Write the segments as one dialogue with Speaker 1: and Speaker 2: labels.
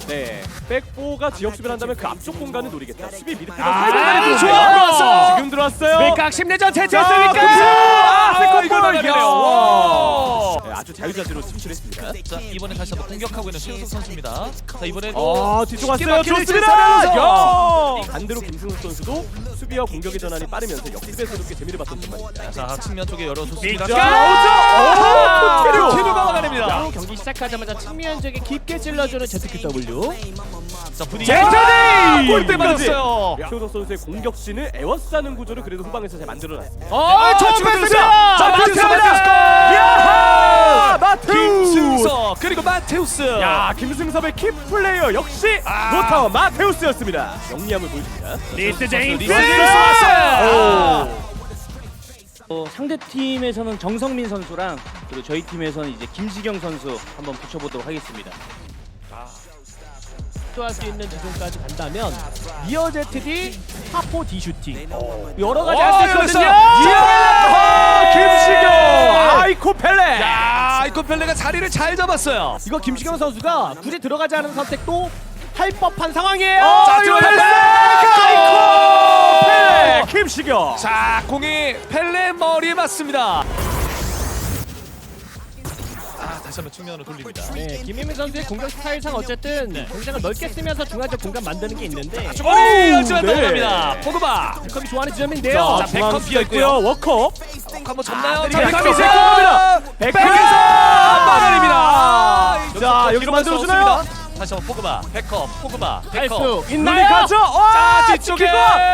Speaker 1: 네, 백포가 지역 수비를 한다면 그 앞쪽 공간을 노리겠다. 수비 미드필더
Speaker 2: 좋아,
Speaker 1: 좋아.
Speaker 2: 들어왔어.
Speaker 1: 지금 들어왔어요.
Speaker 2: 밀각 심리전
Speaker 1: 자,
Speaker 2: 제치했으니까.
Speaker 1: 이거
Speaker 2: 나가네요.
Speaker 1: 와. 네, 아주 자유자재로 침출했습니다.
Speaker 3: 자 이번에 다시 한번 공격하고 있는 최우석 선수입니다. 자 이번에도
Speaker 1: 뒤쪽 왔어요.
Speaker 3: 막히는
Speaker 1: 좋습니다.
Speaker 3: 살아면서.
Speaker 1: 야! 반대로 김승욱 선수도 수비와 공격의 전환이 빠르면서 역습에서도 꽤 재미를 봤던 순간입니다.
Speaker 3: 자 측면 쪽에 열어줬습니다.
Speaker 1: 자, 나오죠.
Speaker 3: 오,
Speaker 1: 코트리오.
Speaker 3: 막아냅니다.
Speaker 2: 바로 경기 시작하자마자 측면 쪽에 깊게 찔러주는 ZQW.
Speaker 3: 자 분위기
Speaker 1: 제쳐디!
Speaker 3: 골대 맞았어요.
Speaker 1: 최우석 선수의 공격진을 에워싸는 구조를 그래도 후방에서 잘 만들어놨습니다.
Speaker 2: 처음 뺐습니다.
Speaker 3: 자 마테우스.
Speaker 1: 야하! 마테우스!
Speaker 3: 김승석 그리고 마테우스.
Speaker 1: 야, 김승섭의 키 플레이어 역시 노타워 마테우스였습니다. 영리함을 보여줍니다.
Speaker 2: 리스 제임스.
Speaker 3: 리스 제임스 왔어요.
Speaker 4: 상대 팀에서는 정성민 선수랑 그리고 저희 팀에서는 이제 김시경 선수 한번 붙여보도록 하겠습니다.
Speaker 2: 할 수 있는 지점까지 간다면 리어 ZD 하포 D 슈팅 여러 가지 할 수 있거든요.
Speaker 1: 이야! 김시경! 아이코 펠레!
Speaker 3: 야 이코 펠레가 자리를 잘 잡았어요.
Speaker 2: 이거 김시경 선수가 굳이 들어가지 않은 선택도 할 법한 상황이에요.
Speaker 1: 자, 들어갔어요! 아이코 펠레! 김시경!
Speaker 3: 자 공이 펠레 머리에 맞습니다. 다시 한번 측면으로 돌립니다.
Speaker 2: 네, 김민민 선수의 공격 스타일상 어쨌든 공장을 넓게 쓰면서 중앙적 공간 만드는 게 있는데
Speaker 3: 머리 열지만
Speaker 1: 네.
Speaker 3: 넘어갑니다. 포그바.
Speaker 2: 컵이 좋아하는 지점인데요.
Speaker 3: 자, 백컴 비어 있고요.
Speaker 1: 워커.
Speaker 3: 한번 접나요?
Speaker 1: 자,
Speaker 3: 자,
Speaker 1: 백컴이
Speaker 3: 백컴이
Speaker 1: 제공합니다. 백컴!
Speaker 3: 막아냅니다.
Speaker 1: 자, 여기로 만들어주나요?
Speaker 3: 다시 한번 포그바. 백컴, 포그바,
Speaker 2: 할
Speaker 3: 백컴.
Speaker 2: 수
Speaker 1: 눈이
Speaker 2: 있나요?
Speaker 1: 가죠?
Speaker 3: 자, 뒤쪽에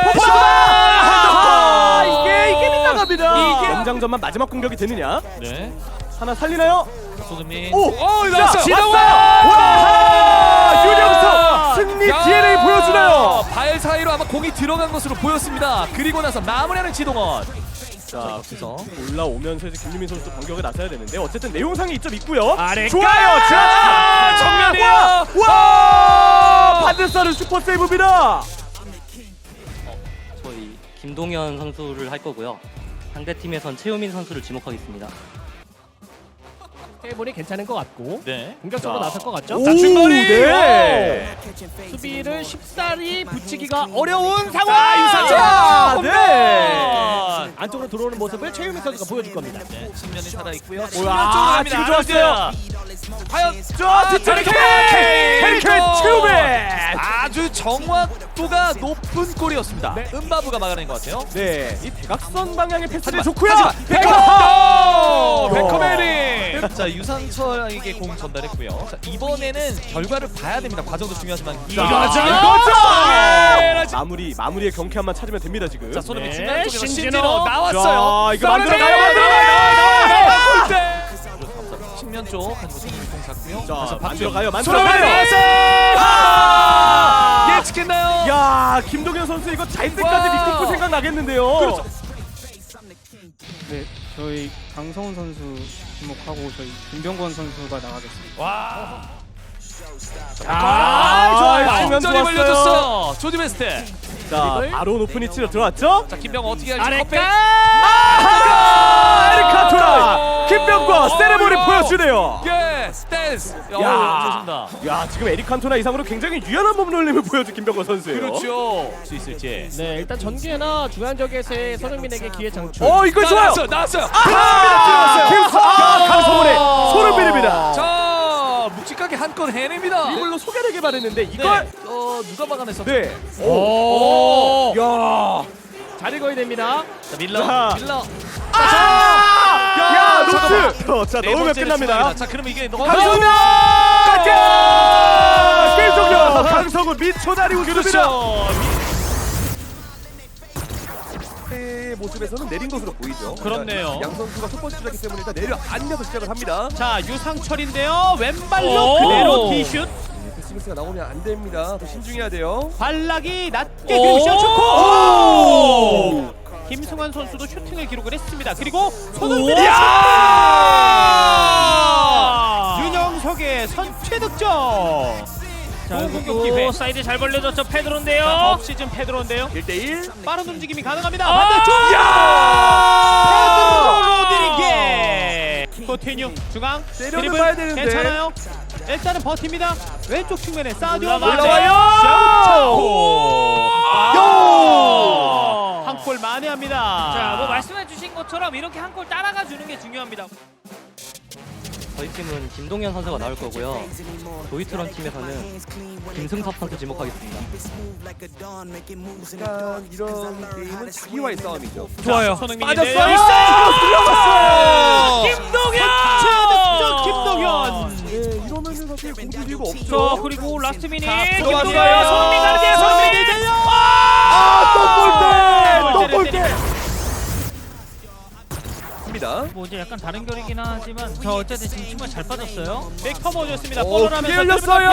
Speaker 1: 포그바!
Speaker 3: 이게
Speaker 1: 빗나갑니다. 연장전만 마지막 공격이 되느냐?
Speaker 3: 네.
Speaker 1: 하나 살리나요?
Speaker 3: 손흥민.
Speaker 1: 오!
Speaker 3: 나왔어.
Speaker 1: 지나와! 와! 유령석 승리 DNA 보여주나요?
Speaker 3: 발 사이로 아마 공이 들어간 것으로 보였습니다. 그리고 나서 마무리하는 지동원.
Speaker 1: 자,
Speaker 3: 그래서
Speaker 1: 올라오면서 이제 김유민 선수도 반격에 나서야 되는데 어쨌든 내용상에 이점 있고요.
Speaker 2: 아래까지!
Speaker 1: 좋아요. 자,
Speaker 3: 정면이에요.
Speaker 1: 와! 반대사는 슈퍼 세이브입니다.
Speaker 4: 저희 김동현 선수를 할 거고요. 상대 팀에선 최우민 선수를 지목하겠습니다.
Speaker 2: 해보니 괜찮은 것 같고
Speaker 3: 네.
Speaker 2: 공격적으로
Speaker 1: 자.
Speaker 2: 나설 것 같죠?
Speaker 1: 오,
Speaker 3: 자, 중거리.
Speaker 1: 네.
Speaker 2: 수비를 쉽사리 붙이기가 어려운
Speaker 3: 자,
Speaker 2: 상황.
Speaker 3: 유상철.
Speaker 1: 네.
Speaker 2: 안쪽으로 들어오는 모습을 최유민 선수가 보여줄 겁니다.
Speaker 3: 네, 측면이 살아 있고요.
Speaker 1: 와, 지금 좋았어요.
Speaker 3: 과연
Speaker 1: 자, 뒷자리
Speaker 3: 케인
Speaker 1: 튜베.
Speaker 3: 아주 정확도가 높은 골이었습니다. 은바부가 막아낸 것 같아요.
Speaker 1: 네, 이 대각선 방향의 패스를
Speaker 3: 하지만,
Speaker 1: 좋고요.
Speaker 3: 하지만
Speaker 1: 백컴!
Speaker 3: 백컴 헤딩. 자 유상철에게 공 전달했고요. 자 이번에는 결과를 봐야 됩니다. 과정도 중요하지만
Speaker 1: 이거죠.
Speaker 3: 이거죠.
Speaker 1: 마무리의 경쾌함만 찾으면 됩니다 지금.
Speaker 3: 자 손흥민
Speaker 2: 네,
Speaker 3: 측면 쪽에서
Speaker 2: 신진호.
Speaker 3: 신진호 나왔어요.
Speaker 1: 자, 이거 만들어가요.
Speaker 3: 골대. 측면 쪽 가지고 손흥민 공 잡고요.
Speaker 1: 자,
Speaker 3: 다시
Speaker 1: 만들어가요.
Speaker 3: 손흥민
Speaker 1: 만들어가요.
Speaker 3: 나왔어요. 예측했나요?
Speaker 1: 야, 김동현 선수 이거 잘 때까지
Speaker 3: 와.
Speaker 1: 믿고 생각 나겠는데요.
Speaker 3: 그렇죠.
Speaker 5: 네, 저희 강성훈 선수 주목하고 저희 김병권 선수가 나가겠습니다.
Speaker 3: 와.
Speaker 1: 좋아요.
Speaker 3: 완전히
Speaker 1: 좋았어요.
Speaker 3: 벌려줬어. 조디 베스트.
Speaker 1: 자, 바로 높은 위치로 들어왔죠?
Speaker 3: 자 김병 어떻게 할지
Speaker 2: 아래까.
Speaker 3: 컵백.
Speaker 1: 에리카토라 김병권 세레모니 보여주네요.
Speaker 3: 예, 댄스.
Speaker 1: 야.
Speaker 3: 좋습니다.
Speaker 1: 야, 지금 에릭 칸토나 이상으로 굉장히 유연한 몸놀림을 보여준 김병권 선수예요.
Speaker 3: 그렇죠. 수 있을지.
Speaker 2: 네, 일단 전개나 중앙적에서의 손흥민에게 기회 창출.
Speaker 1: 이거 좋아요.
Speaker 3: 나왔어요.
Speaker 1: 강성훈의 소름비립니다.
Speaker 3: 자, 묵직하게 한 건 해냅니다.
Speaker 1: 이걸로 소개를 개발했는데
Speaker 3: 네.
Speaker 1: 이걸
Speaker 3: 누가 막아냈어?
Speaker 1: 네.
Speaker 2: 오.
Speaker 1: 야.
Speaker 2: 잘 읽어야 됩니다.
Speaker 3: 자, 밀러.
Speaker 1: 자.
Speaker 3: 밀러.
Speaker 1: 야,
Speaker 3: 잠깐만.
Speaker 1: 노트. 자,
Speaker 3: 네
Speaker 1: 넣으면
Speaker 3: 번째를
Speaker 1: 끝납니다.
Speaker 3: 추가합니다. 자, 그러면 이게
Speaker 1: 강성훈! 게임 종료! 강성훈 미초다리 웃습니다.
Speaker 3: 그렇죠.
Speaker 1: 의 모습에서는 내린 것으로 보이죠.
Speaker 3: 그렇네요.
Speaker 1: 양 선수가 첫 번째 주자기 때문에 일단 내려 앉아서 시작을 합니다.
Speaker 2: 자, 유상철인데요. 왼발로
Speaker 3: 오.
Speaker 2: 그대로 디슛.
Speaker 1: 패스미스가 나오면 안 됩니다. 더 신중해야 돼요.
Speaker 2: 발락이 낮게
Speaker 3: 오.
Speaker 2: 그리고 셔츠코.
Speaker 1: 오.
Speaker 2: 김승환 선수도 슈팅을 기록을 했습니다. 그리고 손흥민의 윤영석의 선취 득점. 자, 공격 기회. 사이드 잘 벌려졌죠. 페드로인데요. 업 시즌 페드로인데요.
Speaker 1: 1대1.
Speaker 2: 빠른 움직임이 가능합니다. 반대쪽. 페드로 로드리게. 코티뉴 중앙.
Speaker 1: 때려는
Speaker 2: 드리블
Speaker 1: 봐야 되는데.
Speaker 2: 괜찮아요. 일단은 버팁니다. 왼쪽 측면에 사디오
Speaker 3: 올라와요.
Speaker 2: 한 골 만회합니다.
Speaker 6: 자, 뭐 말씀해주신 것처럼 이렇게 한 골 따라가 주는 게 중요합니다.
Speaker 7: 저희 팀은 김동현 선수가 나올 거고요. 도이트런 팀에서는 김승섭 선수 지목하겠습니다.
Speaker 1: 약간 이런 게임은 자기와의 싸움이죠.
Speaker 2: 좋아요. 손흥민이
Speaker 3: 빠졌어요.
Speaker 2: 있어요.
Speaker 6: 김동현!
Speaker 2: 득점 김동현.
Speaker 1: 네, 이러면은 사실 공격 이유가 없죠.
Speaker 6: 자, 그리고 라스트 미닛
Speaker 3: 들어왔어요.
Speaker 6: 김동현, 손흥민 가는데요. 손흥민!
Speaker 1: 또 골대. 입니다.
Speaker 6: 뭐 이제 약간 다른 결이긴 하지만 자, 어쨌든 지금 정말 잘 빠졌어요.
Speaker 2: 백 터머졌습니다.
Speaker 1: 오,
Speaker 2: 볼을
Speaker 1: 크게
Speaker 2: 하면서
Speaker 1: 열렸어요.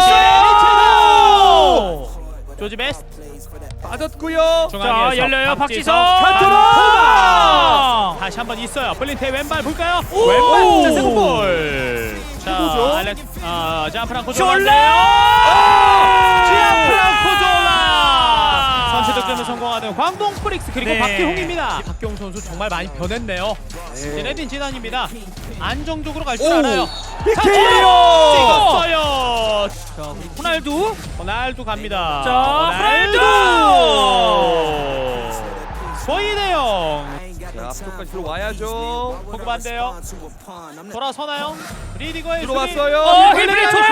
Speaker 2: 있어요. 조지 베스트
Speaker 1: 빠졌고요.
Speaker 2: 중앙에서
Speaker 6: 자, 열려요. 박지성.
Speaker 2: 칸토라. 다시 한번 있어요. 블린테 왼발 볼까요? 왼발 자 세컨볼. 자, 지안프랑코 지안프랑코 졸라. 선취 득점을 성공하는 광동 프릭스 그리고
Speaker 6: 네.
Speaker 2: 박기홍입니다. 박기홍 선수 정말 많이 변했네요. 제네딘 지단입니다. 안정적으로 갈 줄
Speaker 1: 오.
Speaker 2: 알아요.
Speaker 1: PK요.
Speaker 2: 찍었어요.
Speaker 6: 자, 우리 호날두.
Speaker 2: 호날두 갑니다.
Speaker 6: 자,
Speaker 2: 호날두. 거의 대형.
Speaker 1: 자, 앞쪽까지 들어와야죠.
Speaker 2: 포그반데요. 돌아서나요? 리디거의
Speaker 1: 들어왔어요.
Speaker 2: 힐링
Speaker 6: 좋다.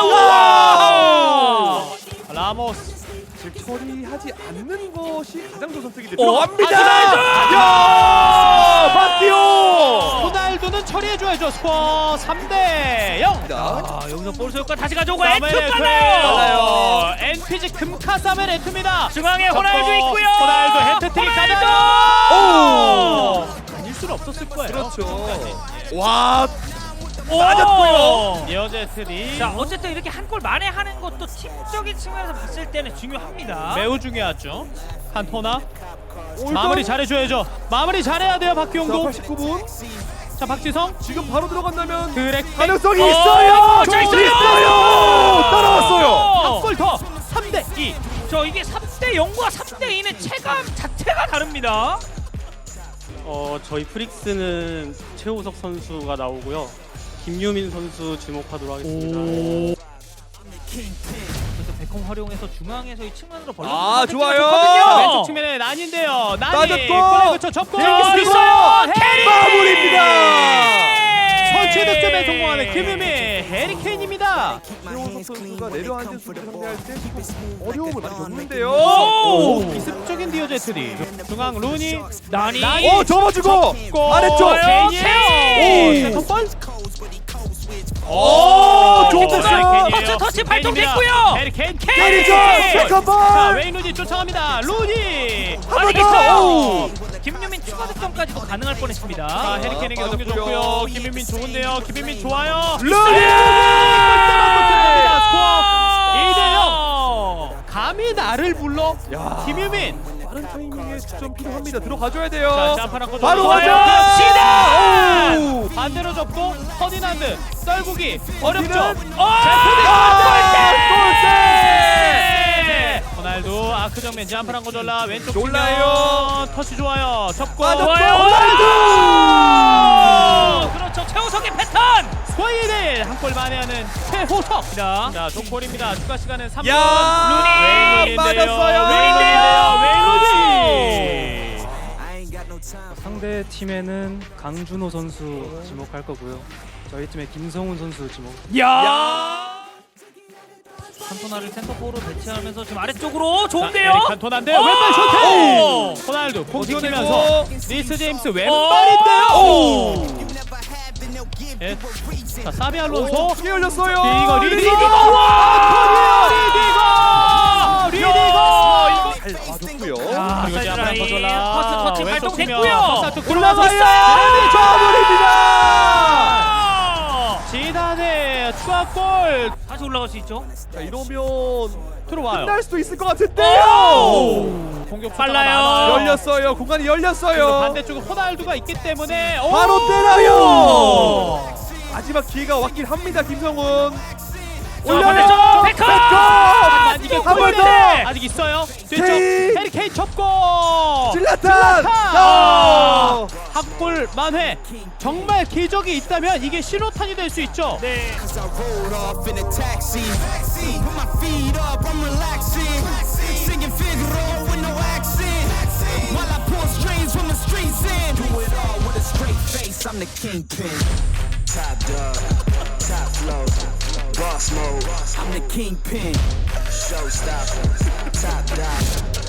Speaker 2: 우와! 라모스.
Speaker 1: 질 처리하지 않는 것이 가장 좋은 선택인데
Speaker 2: 오,
Speaker 1: 들어갑니다.
Speaker 2: 야!
Speaker 1: 박기호.
Speaker 2: 호날두는 처리해줘야죠. 스코어 3대 0.
Speaker 6: 아, 여기서 볼 소유과 다시 가져오고
Speaker 2: 사멜
Speaker 6: 에투
Speaker 2: 에투
Speaker 6: 빨라요.
Speaker 2: 빨라요. NPG 금카 사멜 에투입니다.
Speaker 6: 중앙에 호날두 있고요.
Speaker 2: 호날두 헤트트릭
Speaker 6: 호날두!
Speaker 2: 가나요? 아닐 수는 없었을 거예요.
Speaker 1: 그렇죠.
Speaker 2: 지금까지.
Speaker 1: 와,
Speaker 6: 맞았고요.
Speaker 2: 니어제트리
Speaker 6: 자, 어쨌든 이렇게 한 골 만회하는 것도 팀적인 측면에서 봤을 때는 중요합니다.
Speaker 2: 매우 중요하죠. 칸토나 마무리 잘해줘야죠. 마무리 잘해야 돼요.
Speaker 1: 자,
Speaker 2: 박기용도.
Speaker 1: 89분.
Speaker 2: 자, 박지성
Speaker 1: 지금 바로 들어간다면
Speaker 2: 드랙
Speaker 1: 가능성이
Speaker 2: 어,
Speaker 1: 있어요.
Speaker 6: 자, 있어요.
Speaker 1: 따라왔어요.
Speaker 2: 한 골 더. 3대 2.
Speaker 6: 저 이게 3대 0과 3대 2는 체감 자체가 다릅니다.
Speaker 5: 저희 프릭스는 최우석 선수가 나오고요. 김유민 선수 주목하도록 하겠습니다.
Speaker 6: 그래서 백홈 활용해서 중앙에서 이 측면으로 벌려.
Speaker 1: 아, 좋아요.
Speaker 2: 자, 왼쪽 측면에 난인데요. 난이
Speaker 1: 빠졌고.
Speaker 2: 골에 그쳐 접고
Speaker 1: 자,
Speaker 2: 있어요. 해리
Speaker 1: 마무리입니다.
Speaker 2: 선취 득점에 성공하는 김유미 해리케인입니다.
Speaker 1: 최호석 선수가 내려앉은 수비 상대할 때 어려움을 많이 겪는데요.
Speaker 2: 오, 기습적인 디오제트리. 중앙 루니
Speaker 6: 나니.
Speaker 1: 오, 접어주고 아래쪽.
Speaker 2: 케인이에요. 오, 세컨볼.
Speaker 1: 오, 좋은
Speaker 2: 패스.
Speaker 1: 패스.
Speaker 6: 터치 발동됐고요.
Speaker 2: 해리케인.
Speaker 1: 때리죠. 세컨볼.
Speaker 2: 자, 웨인 루니 쫓아갑니다. 루니.
Speaker 1: 한번 더.
Speaker 6: 있어요. 김유민 추가 득점까지도 가능할 뻔했습니다.
Speaker 2: 자, 해리케인에게
Speaker 1: 빠졌고요.
Speaker 2: 넘겨줬고요. 김민민 좋은데요. 김민민 좋아요.
Speaker 1: 루니.
Speaker 2: 스코어 2대 0. 감히 나를 불러?
Speaker 1: 야.
Speaker 2: 김유민.
Speaker 1: 빠른 타이밍에 득점 필요합니다. 들어가줘야 돼요.
Speaker 2: 자, 짬파랑 거
Speaker 1: 바로
Speaker 2: 좋아요.
Speaker 1: 가자.
Speaker 2: 시다.
Speaker 1: 오.
Speaker 2: 반대로 접고 퍼디난드 썰구기 어렵죠.
Speaker 1: 골대.
Speaker 2: 호날두 아크 정면 짬파랑 거 졸라 왼쪽
Speaker 1: 졸라요.
Speaker 2: 측면. 터치 좋아요. 접고
Speaker 1: 빠졌고.
Speaker 2: 호날두.
Speaker 6: 그렇죠. 최우석의 패턴.
Speaker 2: 스웨이드 한골 만회하는 최호석입니다. 자, 동골입니다. 추가 시간은 3분.
Speaker 1: 야,
Speaker 2: 루니
Speaker 1: 빠졌어요.
Speaker 2: 웨인
Speaker 5: 상대 팀에는 강준호 선수 지목할 거고요. 저희 팀에 김성훈 선수 지목.
Speaker 6: 칸토나를 센터포로 배치하면서 지금 아래쪽으로 좋은데요.
Speaker 2: 칸토나인데요.
Speaker 6: 오!
Speaker 2: 왼발 슈팅. 호날두 공 지키면서 리스 제임스 왼발인데요. 예. 자, 사비 알론소.
Speaker 1: 크게 열렸어요.
Speaker 2: 이거 리디거. 리디거.
Speaker 1: 잘 봐줬고요.
Speaker 2: 그리고 이제 한번 거절라.
Speaker 6: 퍼스트 터치
Speaker 2: 왼쪽
Speaker 6: 발동됐고요.
Speaker 2: 측면
Speaker 1: 올라가요.
Speaker 2: 마무리입니다.
Speaker 6: 아!
Speaker 2: 지단의 추가골
Speaker 6: 다시 올라갈 수 있죠.
Speaker 1: 자, 이러면
Speaker 2: 들어와요.
Speaker 1: 끝날 수도 있을 것 같은데요.
Speaker 2: 공격
Speaker 6: 빨라요.
Speaker 1: 열렸어요. 공간이 열렸어요.
Speaker 2: 반대쪽에 호날두가 있기 때문에
Speaker 1: 바로 때려요. 마지막 기회가 왔긴 합니다. 김성훈.
Speaker 6: 반대쪽 백홈!
Speaker 2: 이게
Speaker 1: 한번 더.
Speaker 2: 골인데 아직 있어요. 뒤쪽
Speaker 1: 케인.
Speaker 2: 해리케인 접고
Speaker 1: 질라탄.
Speaker 2: 질라탄! 핫골 만회. 정말 기적이 있다면 이게 신호탄이 될 수 있죠.
Speaker 6: 네.
Speaker 8: Cause I rolled off in a taxi. Put my feet up, I'm relaxing. Singing Figaro with no accent. While I pull strings from the streets in. Do it all with a straight face, I'm the kingpin. Top dog, top flow, boss mode. I'm the kingpin. Showstopper, top dog.